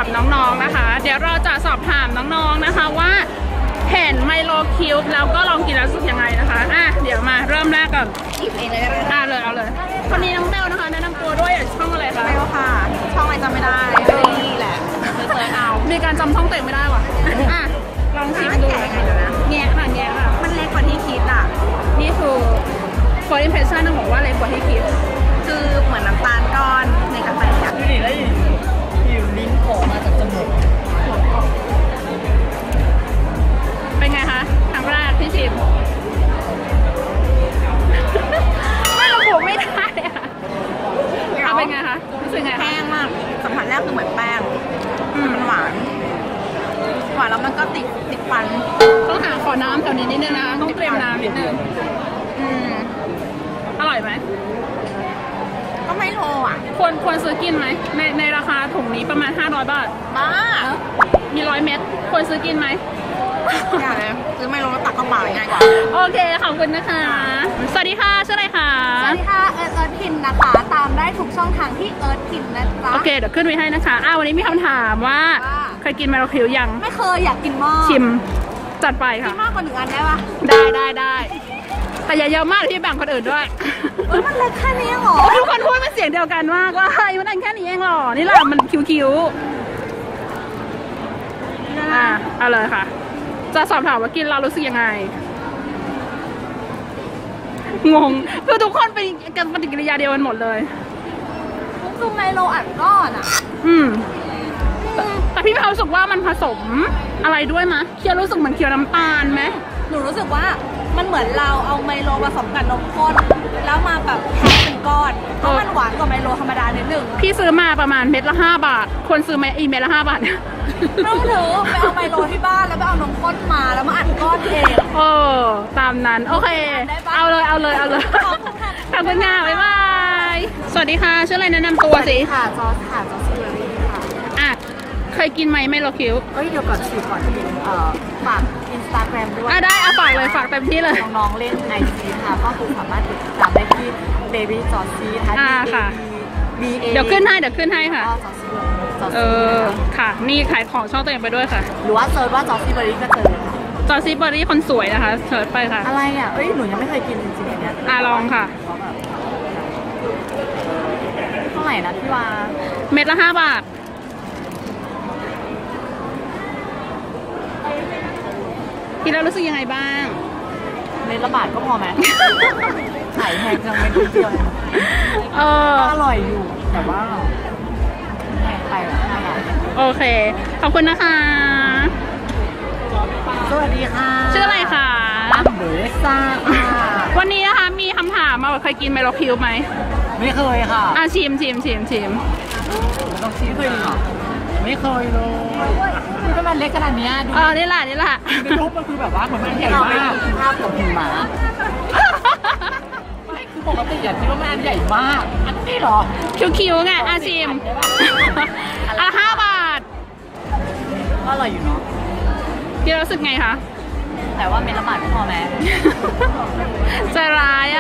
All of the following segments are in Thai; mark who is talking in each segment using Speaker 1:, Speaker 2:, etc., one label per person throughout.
Speaker 1: กับน้องๆนะคะเดี๋ยวเราจะสอบถามน้องๆนะคะว่าเห็นไมโลคิวบ์แล้วก็ลองกินแล้วรู้สึกยังไงนะคะเดี๋ยวมาเริ่มแรกก่อนหยิบเองเลยเลยเอาเลยคนนี้น้องเบลนะคะแนะนำตัวด้วยช่องอะไรคะ
Speaker 2: เบลค่ะช่องอะไรจำไม่ได้นี่แหละเซิร์ชเอา
Speaker 1: มีการจำช่องเต็มไม่ได้ว่ะลองชิมดูแง่ค่ะ
Speaker 2: มันเล็กกว่าที่คิดอ่ะ
Speaker 1: นี่คือ first impression ต้องบอกว่าเล็กกว่าที่คิด
Speaker 2: คือเหมือนน้ำตาลก้อนในกาแฟอ่ะ
Speaker 3: ดูดิแล้วอยู่ลิ้นโผล่มาจากจมูก
Speaker 1: เป็นไงคะครั้งแรกที่ชิมไม่ระบุไม่ได้อะเป็นไงคะรู้สึกไง
Speaker 2: แห้งมากสัมผัสแรกคือเหมือนแป้งมันหวานแล้วมันก็ติดฟัน
Speaker 1: ต้องหาขอน้ำแถวนี้นิดนึงนะต้องเตรียมน้ำนิดนึงอร่อยไหม
Speaker 2: ก็ไม่โลอ่ะ
Speaker 1: ควรซื้อกินไหมในราคาถุงนี้ประมาณ500 บาท
Speaker 2: บ้า
Speaker 1: มี100 เม็ดควรซื้อกินไหม
Speaker 2: อย่าเลยซื้อไม่โลแล้วตักกระเป๋าง่ายกว่า
Speaker 1: โอเคขอบคุณนะคะสวัสดีค่ะชื่ออะไรคะ
Speaker 2: สวัสดีค่ะเอิร์ธพินนะคะตามได้ทุกช่องทางที่เอิร์ธพินนะจ๊ะ
Speaker 1: โอเคเดี๋ยวขึ้นไว้ให้นะคะวันนี้มีคำถามว่าเคยกินไมโลคิวยัง
Speaker 2: ไม่เคยอยากกินมาก
Speaker 1: ชิมจัดไปค่ะ
Speaker 2: กินมากกว่า1 อันได้ปะ
Speaker 1: ได้แต่อย่าเยอะมากที่แบ่งคนอื่นด้วย
Speaker 2: มันเล็กแค่นี้หรอ
Speaker 1: ทุกคนพูดเป็นเสียงเดียวกันมากว่ามันอันแค่นี้เองหรอนี่แหละมันคิ้วเอาเลยค่ะจะสอบถามว่ากินเรารู้สึกยังไงงงคือทุกคนเป็นกันปฏิกิริยาเดียวกันหมดเลย
Speaker 2: คือไมโลอัดก้อนอ่ะ
Speaker 1: แต่พี่มีความรู้สึกว่ามันผสมอะไรด้วยมะเคี้ยวรู้สึกเหมือนเคี้ยวน้ำตาลไหม
Speaker 2: หนูรู้สึกว่ามันเหมือนเราเอาไมโลผสมกับนมข้นแล้วมาแบบแพ็คเป็นก้อนเพราะมันหวานกว่าไมโลธรรมดานิดนึง
Speaker 1: พี่ซื้อมาประมาณเม็ดละ5 บาทควรซื้อเม็ดละ5 บาท
Speaker 2: ต้องถือไปเอาไมโลที่บ้านแล้วไปเอานมข้นมาแล้วมาอัดก้อนเอง
Speaker 1: ตามนั้นโอเคเอาเลยขอบคุณค่ะบ๊ายบายสวัสดีค่ะชื่ออะไรแนะนำตัวสิ
Speaker 2: ค่ะจอสซิเบอรี่
Speaker 1: ค่ะเคยกินไหมไมโลคิวบ์
Speaker 2: เดี๋ยวก่อนฝากอินสตาแกรมด้วย
Speaker 1: ได้ฝากเลยฝากเต็มที่เลย
Speaker 2: น้องๆเล่นไอจีค่ะก็คือสามารถติดตามได้ที่ Baby Josy
Speaker 1: ค่ะเดี๋ยวขึ้นให้ค่ะค่ะนี่ขายของช่องตัวเองไปด้วยค่ะ
Speaker 2: หรือว่าเซิร์ชว่าจอซี่เบอรี่ก็เจอ
Speaker 1: จอซี่เบอรี่คนสวยนะคะเซิร์ชไปค่ะ
Speaker 2: อะไรหนูยังไม่เคยกินจริงๆเนี่ย
Speaker 1: ลองค่ะ
Speaker 2: เท่าไหร่นะพี่วา
Speaker 1: เม็ดละ5 บาทกินแล้วรู้สึกยังไงบ้าง
Speaker 2: เม็ดละบาทก็พอไหมขายแพงจังเม็ดเดียวอร่อยอยู่แต่ว่าแพงไป
Speaker 1: โอเคขอบคุณนะคะ
Speaker 2: สวัสดีค่ะ
Speaker 1: ชื่ออะไรคะ
Speaker 2: เบสซ่า
Speaker 1: วันนี้นะคะมีคำถามมาว่าเคยกินไมโลคิวบ์ไหม
Speaker 2: ไม่เคยค่ะ
Speaker 1: ชิม
Speaker 2: ต้องชิมเคยหรอไม่เคยเลยคือก็มันเล็กขนาดนี้ดู
Speaker 1: นี่แหละ
Speaker 2: ในรูปมันคือแบบว่าเหมือนมันใหญ่มากภาพของหิมะไม่คือปกติคิดว่ามันใหญ่มากอันนี้หรอ
Speaker 1: คิวไงชิม5 บาท
Speaker 2: ก็อร่อยอยู่เนาะ
Speaker 1: พี่รู้สึกไงคะ
Speaker 2: แต่ว่าเม็ดละบาทพอไหม
Speaker 1: ใจร้าย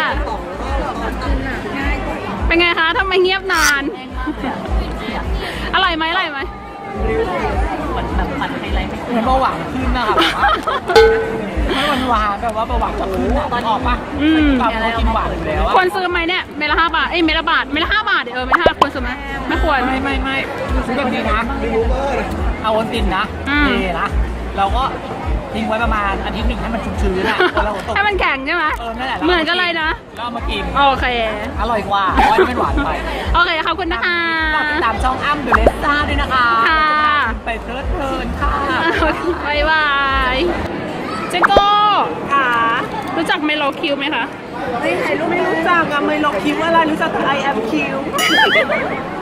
Speaker 1: เป็นไงคะทำไมเงียบนานอร่อยไหม
Speaker 2: เหมือนแบบมันไฮไลท์เหมือนเบาหวานขึ้นนะคะไม่หวานแบบว่าเบาหวานจะขึ้นตอนออกป่ะเรากินหวานอยู่แล้ว
Speaker 1: ควรซื้อไหมเนี่ยเม็ดละ5 บาทเม็ดละบาทเม็ดละ5 บาทเม็ดละ5ควรซื้อไหมไม่ควร
Speaker 2: ไม่ซื้อแบบนี้นะเอาวันตินนะนะเราก็ทิ้งไว้ประมาณอาทิตย์1ให้มันชื้นๆนะ
Speaker 1: ให้มันแข็งใช่ไหมเหมือนกันเลยนะ
Speaker 2: ก็มากิน
Speaker 1: โอเค
Speaker 2: อร่อยกว่าเพราะไม่หวานไป
Speaker 1: โอเคขอบคุณนะคะ
Speaker 2: ติดตามช่องอ้ำเดอะเลสซ่าด้วยนะคะ
Speaker 1: ค่ะ
Speaker 2: ไปเพลินค่ะ
Speaker 1: บ๊ายบายเจโก้ค่ะรู้จักไมโลคิวบ์ไหมคะ
Speaker 2: ไม่รู้จักไมโลคิวบ์อะไรรู้จักแต่ I am Q